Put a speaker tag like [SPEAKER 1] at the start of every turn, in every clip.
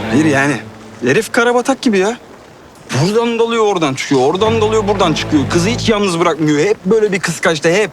[SPEAKER 1] Hayır yani. Herif karabatak gibi ya. Buradan dalıyor oradan çıkıyor. Oradan dalıyor buradan çıkıyor. Kızı hiç yalnız bırakmıyor. Hep böyle bir kıskançta hep.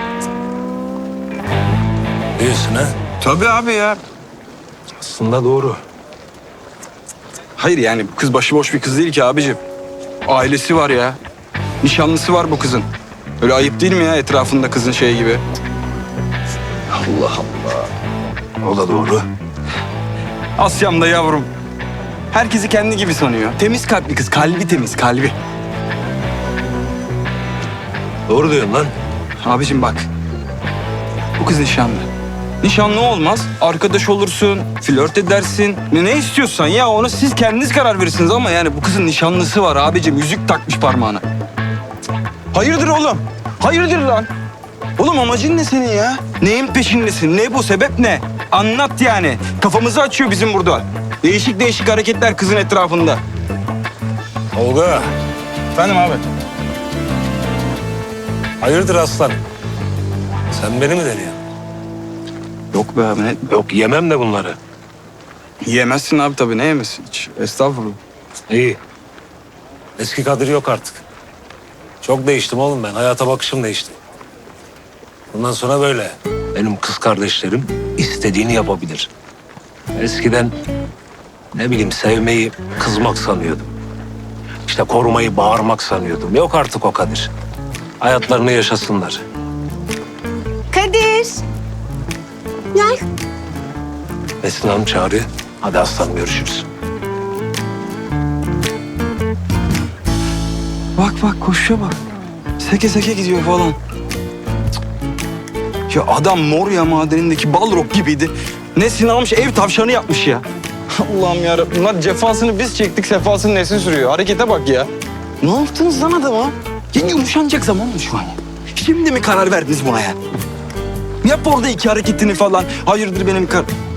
[SPEAKER 2] Diyorsun ha?
[SPEAKER 1] Tabii abi ya.
[SPEAKER 2] Aslında doğru.
[SPEAKER 1] Hayır yani bu kız başıboş bir kız değil ki abicim. Ailesi var ya. Nişanlısı var bu kızın. Öyle ayıp değil mi ya etrafında kızın şey gibi?
[SPEAKER 2] Allah Allah. O da doğru.
[SPEAKER 1] Asya'm da yavrum. Herkesi kendi gibi sanıyor. Temiz kalpli kız. Kalbi temiz, kalbi.
[SPEAKER 2] Doğru diyorsun lan.
[SPEAKER 1] Abicim bak. Bu kız nişanlı. Nişanlı olmaz. Arkadaş olursun, flört edersin. Ne istiyorsan ya onu siz kendiniz karar verirsiniz ama yani bu kızın nişanlısı var abicim. Yüzük takmış parmağına. Hayırdır oğlum? Hayırdır lan? Oğlum amacın ne senin ya? Neyin peşindesin? Ne bu? Sebep ne? Anlat yani. Kafamızı açıyor bizim burada. Değişik değişik hareketler kızın etrafında.
[SPEAKER 2] Tolga.
[SPEAKER 1] Efendim abi?
[SPEAKER 2] Hayırdır aslan? Sen beni mi deniyorsun?
[SPEAKER 1] Yok be abi ne?
[SPEAKER 2] Yok yemem de bunları.
[SPEAKER 1] Yemezsin abi tabii. Ne yemesin hiç? Estağfurullah.
[SPEAKER 2] İyi. Eski Kadir yok artık. Çok değiştim oğlum ben. Hayata bakışım değişti. Bundan sonra böyle. Benim kız kardeşlerim istediğini yapabilir. Eskiden ne bileyim sevmeyi kızmak sanıyordum. İşte korumayı bağırmak sanıyordum. Yok artık o Kadir. Hayatlarını yaşasınlar.
[SPEAKER 3] Kadir. Gel.
[SPEAKER 2] Esin Hanım çağırıyor. Hadi aslanım görüşürüz.
[SPEAKER 1] Bak bak koşuya bak. Seke seke gidiyor falan. Cık. Ya adam Moria madenindeki Balrog gibiydi. Nesin almış ev tavşanı yapmış ya. Allah'ım yarabbim. Lan cefasını biz çektik, sefasını Nesin sürüyor. Harekete bak ya. Ne yaptınız lan adama? Ya yumuşanacak zaman mı şu an ya? Şimdi mi karar verdiniz buna ya? Yap orada iki hareketini falan. Hayırdır benim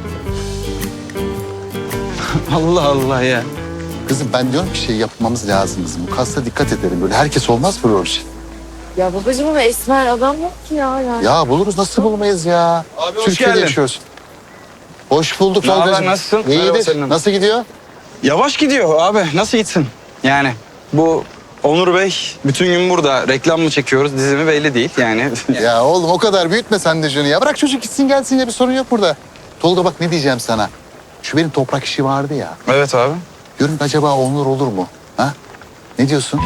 [SPEAKER 1] Allah Allah ya.
[SPEAKER 4] Kızım ben diyorum ki şey yapmamız lazım kızım. Bu kasta dikkat edelim. Böyle herkes olmaz böyle o şey.
[SPEAKER 3] Ya babacığım ama esmer adam yok ki ya. Yani.
[SPEAKER 4] Ya buluruz nasıl bulmayız ya?
[SPEAKER 1] Abi hoş
[SPEAKER 4] Türkiye'de
[SPEAKER 1] geldin.
[SPEAKER 4] yaşıyoruz. Hoş bulduk
[SPEAKER 1] Ne haber,
[SPEAKER 4] Tolga'cığım.
[SPEAKER 1] nasılsın? Merhaba
[SPEAKER 4] İyidir.
[SPEAKER 1] Selim.
[SPEAKER 4] Nasıl gidiyor?
[SPEAKER 1] Yavaş gidiyor abi. Nasıl gitsin? Yani bu Onur Bey bütün gün burada. Reklam mı çekiyoruz, dizi mi belli değil yani.
[SPEAKER 4] Ya oğlum o kadar büyütme sen de canı ya. Bırak çocuk gitsin gelsin ya bir sorun yok burada. Tolga bak ne diyeceğim sana. Şu benim toprak işi vardı ya.
[SPEAKER 1] Evet abi.
[SPEAKER 4] Diyorum ki acaba Onur olur mu? Ha? Ne diyorsun?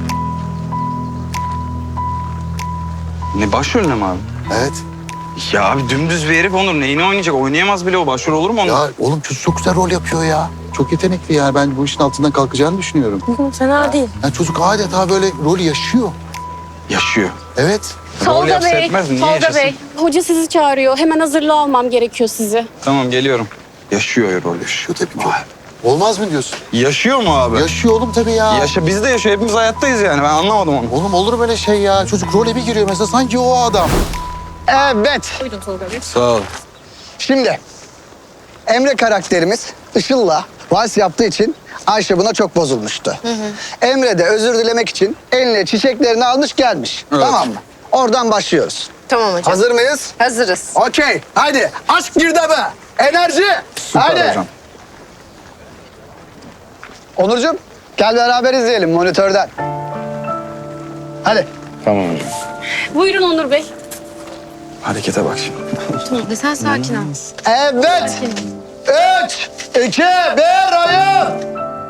[SPEAKER 1] Ne başrolüne mi abi?
[SPEAKER 4] Evet.
[SPEAKER 1] Ya abi dümdüz bir herif Onur. Neyini oynayacak? Oynayamaz bile o. Başrol olur mu Onur?
[SPEAKER 4] Ya oğlum çocuk çok güzel rol yapıyor ya. Çok yetenekli yani. Ben bu işin altından kalkacağını düşünüyorum.
[SPEAKER 3] Fena değil.
[SPEAKER 4] Yani çocuk adeta böyle rolü yaşıyor.
[SPEAKER 1] Yaşıyor.
[SPEAKER 4] Evet.
[SPEAKER 1] Rol
[SPEAKER 5] Tolga
[SPEAKER 1] yapsa
[SPEAKER 5] Bey,
[SPEAKER 1] etmez mi? Niye
[SPEAKER 5] Tolga
[SPEAKER 1] yaşasın?
[SPEAKER 5] Bey. Hoca sizi çağırıyor. Hemen hazırlığı almam gerekiyor sizi.
[SPEAKER 1] Tamam geliyorum. Yaşıyor rol yaşıyor.
[SPEAKER 4] Tabii ki. Olmaz mı diyorsun?
[SPEAKER 1] Yaşıyor mu abi?
[SPEAKER 4] Yaşıyor oğlum tabii ya.
[SPEAKER 1] Yaşa, biz de yaşıyor. Hepimiz hayattayız yani. Ben anlamadım onu.
[SPEAKER 4] Oğlum olur böyle şey ya. Çocuk role bir giriyor mesela sanki o adam.
[SPEAKER 6] Evet.
[SPEAKER 5] Buyurun Tolga Bey.
[SPEAKER 1] Sağ ol.
[SPEAKER 6] Şimdi Emre karakterimiz Işıl'la vals yaptığı için Ayşe buna çok bozulmuştu. Emre de özür dilemek için eline çiçeklerini almış gelmiş.
[SPEAKER 1] Evet.
[SPEAKER 6] Tamam mı? Oradan başlıyoruz.
[SPEAKER 3] Tamam hocam.
[SPEAKER 6] Hazır mıyız?
[SPEAKER 3] Hazırız.
[SPEAKER 6] Okey. Hadi aşk girdabı. Enerji.
[SPEAKER 1] Süper
[SPEAKER 6] Hadi.
[SPEAKER 1] hocam.
[SPEAKER 6] Onurcuğum gel beraber izleyelim monitörden. Hadi.
[SPEAKER 1] Tamam hocam.
[SPEAKER 5] Buyurun Onur Bey.
[SPEAKER 1] Harekete bak şimdi.
[SPEAKER 3] Tolga sen sakin ol.
[SPEAKER 6] Evet.
[SPEAKER 3] Sakin ol.
[SPEAKER 6] 3, 2, 1 oyun.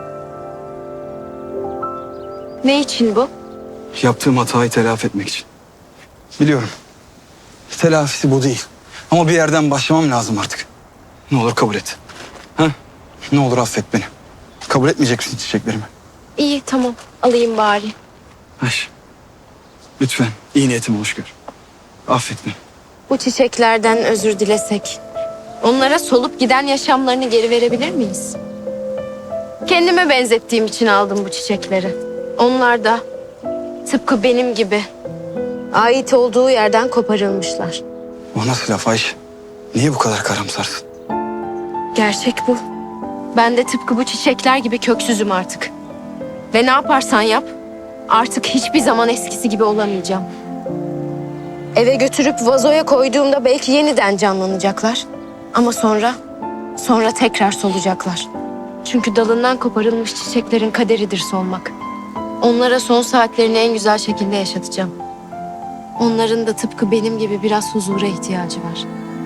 [SPEAKER 3] Ne için bu?
[SPEAKER 1] Yaptığım hatayı telafi etmek için. Biliyorum. Telafisi bu değil. Ama bir yerden başlamam lazım artık. Ne olur kabul et. Ha? Ne olur affet beni. Kabul etmeyecek misin çiçeklerimi?
[SPEAKER 3] İyi tamam alayım bari.
[SPEAKER 1] Ayşe. Lütfen iyi niyetimi hoş gör. Affet beni.
[SPEAKER 3] Bu çiçeklerden özür dilesek. Onlara solup giden yaşamlarını geri verebilir miyiz? Kendime benzettiğim için aldım bu çiçekleri. Onlar da tıpkı benim gibi ait olduğu yerden koparılmışlar.
[SPEAKER 1] O nasıl laf Ayşe? Niye bu kadar karamsarsın?
[SPEAKER 3] Gerçek bu. Ben de tıpkı bu çiçekler gibi köksüzüm artık. Ve ne yaparsan yap, artık hiçbir zaman eskisi gibi olamayacağım. Eve götürüp vazoya koyduğumda belki yeniden canlanacaklar. Ama sonra tekrar solacaklar. Çünkü dalından koparılmış çiçeklerin kaderidir solmak. Onlara son saatlerini en güzel şekilde yaşatacağım. Onların da tıpkı benim gibi biraz huzura ihtiyacı var.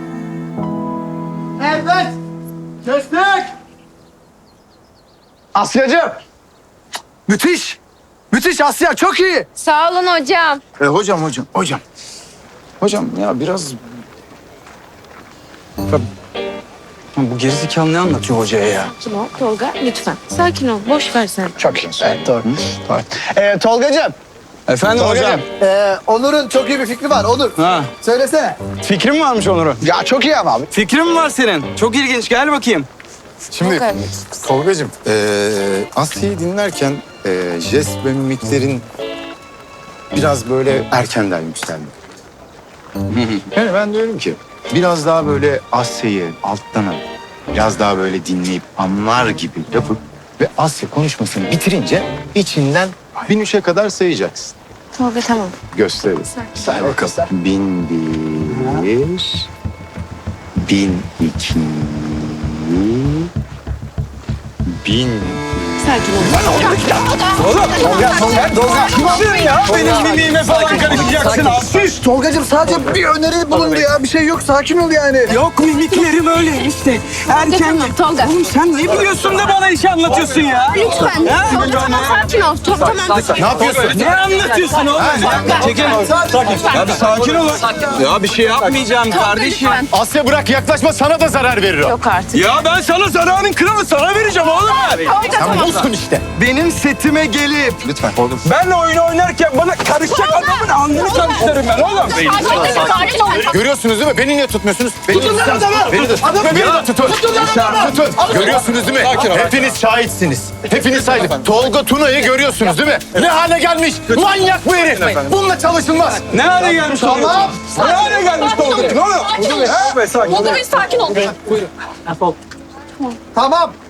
[SPEAKER 6] Evet. Kestik. Asya'cığım. Müthiş. Müthiş Asya, çok iyi.
[SPEAKER 3] Sağ olun hocam.
[SPEAKER 1] Hocam ya biraz... Bu gerizekalı ne anlatıyor hocaya ya?
[SPEAKER 3] Sakin ol Tolga lütfen. Sakin ol. Boş ver sen.
[SPEAKER 6] Çok iyi. Evet, doğru. Doğru. Tolgacığım.
[SPEAKER 1] Efendim hocam?
[SPEAKER 6] Onur'un çok iyi bir fikri var. Onur.
[SPEAKER 1] Ha.
[SPEAKER 6] Söylesene.
[SPEAKER 1] Fikrin varmış Onur'un.
[SPEAKER 6] Ya çok iyi ama abi.
[SPEAKER 1] Fikrin mi var senin? Çok ilginç. Gel bakayım.
[SPEAKER 7] Şimdi Tolgacığım, Asya'yı dinlerken jest ve mimiklerin biraz böyle erkenden yükseldi. Yani ben diyorum ki biraz daha böyle Asya'yı alttan alıp biraz daha böyle dinleyip anlar gibi yapıp ve Asya konuşmasını bitirince içinden 1003'e kadar sayacaksın.
[SPEAKER 3] Tolga tamam.
[SPEAKER 7] Gösteririz. Say bakalım. 1001, 1002, 1000.
[SPEAKER 3] Sakin ol.
[SPEAKER 6] Tolga.
[SPEAKER 1] Kimsin ya? Benim mimiğime falan karışacaksın abi.
[SPEAKER 6] Tolgacığım sadece bir öneri bulundu ya. Bir şey yok. Sakin ol yani.
[SPEAKER 1] Yok mimiklerim öyle işte. Erken.
[SPEAKER 3] Tamam Tolga.
[SPEAKER 1] Oğlum sen ne biliyorsun da bana iş anlatıyorsun ya?
[SPEAKER 3] Lütfen.
[SPEAKER 1] Ha?
[SPEAKER 3] Tolga tamam sakin ol. Tamam.
[SPEAKER 7] Ne yapıyorsun?
[SPEAKER 1] Ne anlatıyorsun oğlum? Çekil. Ya bir sakin ol. Ya bir şey yapmayacağım kardeşim.
[SPEAKER 3] Lütfen.
[SPEAKER 7] Asya bırak yaklaşma, sana da zarar verir o.
[SPEAKER 3] Yok artık.
[SPEAKER 1] Ya ben sana zararın kralı sana vereceğim oğlum.
[SPEAKER 3] Tolga tamam.
[SPEAKER 7] Bozkun işte.
[SPEAKER 1] Benim setime gelip
[SPEAKER 7] Lütfen.
[SPEAKER 1] benle oyun oynarken bana karışacak adamın alnını karıştırırım ben oğlum.
[SPEAKER 7] Görüyorsunuz değil mi? Beni niye tutmuyorsunuz? Beni de tutun. Tutun. Görüyorsunuz değil mi? Hepiniz şahitsiniz. Hepiniz şahit. Tolga Tuna'yı görüyorsunuz değil mi? Ne hale gelmiş? Manyak bu herif. Bununla çalışılmaz.
[SPEAKER 1] Ne hale gelmiş Tolga? Ne hale gelmiş Tolga? Ne oluyor?
[SPEAKER 5] Tolga Bey sakin ol.
[SPEAKER 6] Tamam.